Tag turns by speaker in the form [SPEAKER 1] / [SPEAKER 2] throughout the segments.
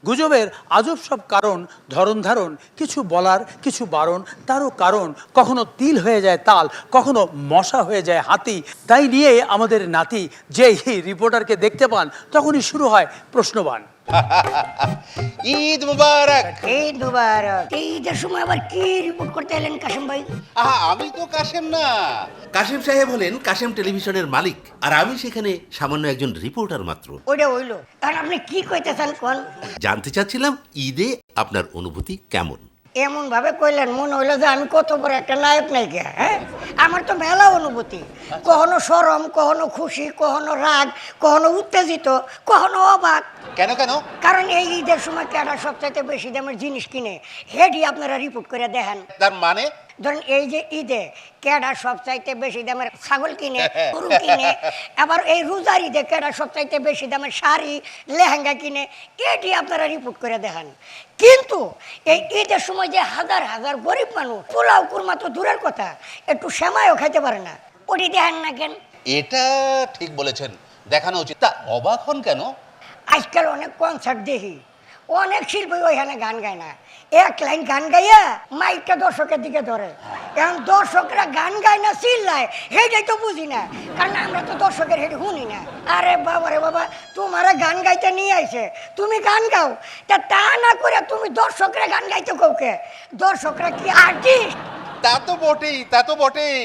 [SPEAKER 1] গুজবের আজব সব কারণ, ধরন ধারণ, কিছু বলার কিছু বারণ, তারও কারণ কখনো তিল হয়ে যায় তাল, কখনো মশা হয়ে যায় হাতি। তাই নিয়ে আমাদের নাতি যেই রিপোর্টারকে দেখতে পান তখনই শুরু হয় প্রশ্নবাণ।
[SPEAKER 2] ঈদ মুবারক।
[SPEAKER 3] ঈদ মুবারক। ঈদের সময় আবার কি রিপোর্ট করতে এলেন কাশিম ভাই?
[SPEAKER 2] আমি তো কাশেম না, কাশেম সাহেব হলেন কাশেম টেলিভিশনের মালিক, আর আমি সেখানে সামান্য একজন রিপোর্টার মাত্র।
[SPEAKER 3] ওইটা হইলো, কারণ আপনি কি কইতেছেন কোন?
[SPEAKER 2] জানতে চাচ্ছিলাম ঈদে আপনার অনুভূতি কেমন?
[SPEAKER 3] এমন ভাবে কইলেন মনে হইলো যে আমি কত বড় একটা নায়ক নায়িকা। হ্যাঁ, আমার তো মেলা অনুভূতি, কখনো শরম, কখনো খুশি, কখনো রাগ, কখনো উত্তেজিত, কখনো অবাক।
[SPEAKER 2] কেন কেন?
[SPEAKER 3] কারণ এই ঈদের সময় কেডা সবচাইতে বেশি দামের জিনিস কিনে হেডি আপনারা রিপোর্ট করে দেখেন।
[SPEAKER 2] তার মানে
[SPEAKER 3] ধরেন এই যে ঈদে কেডা সবচাইতে বেশি দামের ছাগল কিনে, গরু কিনে, আবার এই রোজার ঈদে কেডা সবচাইতে বেশি দামের শাড়ি, লেহেঙ্গা কিনে, এটি আপনারা রিপোর্ট করে দেখান। কিন্তু এই ঈদের সময় যে হাজার হাজার গরিব মানুষ পোলাও কুরমা তো দূরের কথা, একটু সেমাইও খাইতে পারে না, ওটি দেখেন না কেন?
[SPEAKER 2] এটা ঠিক বলেছেন, দেখানো উচিত। তা অবাক হন কেন?
[SPEAKER 3] আজকাল অনেক কনসার্ট দেখি, অনেক শিল্পী ওইখানে গান গায় না, এক লাইন গান গাইয়া মাইকটা দর্শকের দিকে ধরে। এখন দর্শকরা গান গায় না চিল্লায়, হেটাই তো বুঝি না, কারণ আমরা তো দর্শকের হেঁটে শুনি না। আরে বাবা রে বাবা, তোমারা গান গাইতে নিয়ে আইছে, তুমি গান গাও, তা না করে তুমি দর্শকরা গান গাইতে কাউকে? দর্শকরা কি আর্টিস্ট?
[SPEAKER 2] তা তো বটেই, তা তো বটেই।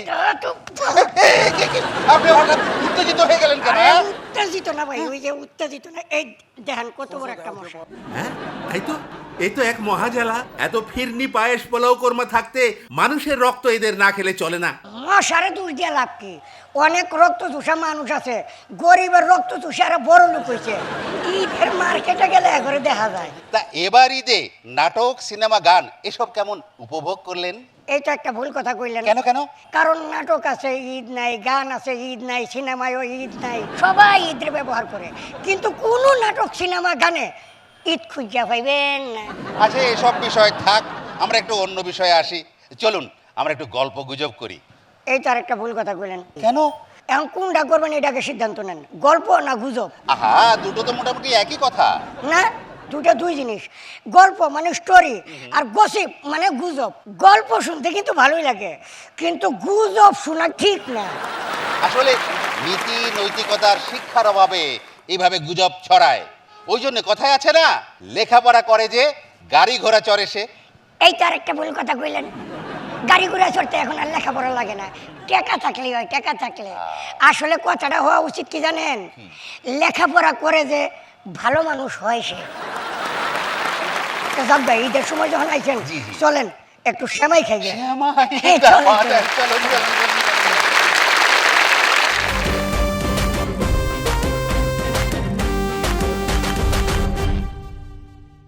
[SPEAKER 2] আপনি হঠাৎ উত্তেজিত হয়ে গেলেন কেন?
[SPEAKER 3] উত্তেজিত না ভাই, ওই যে উত্তেজিত না, এই দেখেন কত বড় একটা মশা।
[SPEAKER 2] হ্যাঁ, এই তো এক মহাজালা। এত ফিরনি পায়েস পোলাও কোরমা থাকতে মানুষের রক্ত এদের না খেলে চলে না।
[SPEAKER 3] মশারে দূর দিয়ে লাভ কি? অনেক রক্ত চুষা মানুষ আছে, গরিবের রক্ত চুষে আর বড় লোক হয়েছে। ঈদের মার্কেটে গেলে একবারে দেখা যায়।
[SPEAKER 2] তা এবার ঈদে নাটক, সিনেমা, গান এসব কেমন উপভোগ করলেন?
[SPEAKER 3] এইটা একটা ভুল কথা কইলেন।
[SPEAKER 2] কেন কেন?
[SPEAKER 3] কারণ নাটক আছে ঈদ নাই, গান আছে ঈদ নাই, সিনেমায়ও ঈদ নাই, সবাই ঈদের ব্যবহার করে, কিন্তু কোন নাটক, সিনেমা, গানে ঈদ খুঁজা পাইবেন না।
[SPEAKER 2] আচ্ছা, এসব বিষয় থাক, আমরা একটু অন্য বিষয়ে আসি। চলুন আমরা একটু গল্প গুজব করি।
[SPEAKER 3] এইটা আর একটা ভুল কথা কইলেন।
[SPEAKER 2] কেন?
[SPEAKER 3] এখন কোনটা করবেন এটাকে সিদ্ধান্ত নেন, গল্প না গুজব?
[SPEAKER 2] আহা, দুটো তো মোটামুটি একই কথা।
[SPEAKER 3] না, দুটো দুই জিনিস। গল্প মানে স্টোরি, আর গসিপ মানে গুজব। গল্প শুনতে কিন্তু ভালোই লাগে, কিন্তু গুজব শোনা ঠিক না।
[SPEAKER 2] আসলে নীতি নৈতিকতার শিক্ষার অভাবে এইভাবে গুজব ছড়ায়। ওই জন্য কথায় আছে না, লেখাপড়া করে যে গাড়ি ঘোড়া চড়ে সে।
[SPEAKER 3] এইটা আর একটা ভুল কথা কইলেন। গাড়ি ঘোড়া চড়তে এখন আর লেখাপড়া লাগে না, টাকা থাকলেই হয়, টাকা থাকলে। আসলে কথাটা হওয়া উচিত কি জানেন, লেখাপড়া করে যে ভালো মানুষ হয় সে। যাক ভাই, ঈদের সময় যখন আইছেন, চলেন একটু সেমাই খাই।
[SPEAKER 2] চলুন, চলুন, চলুন।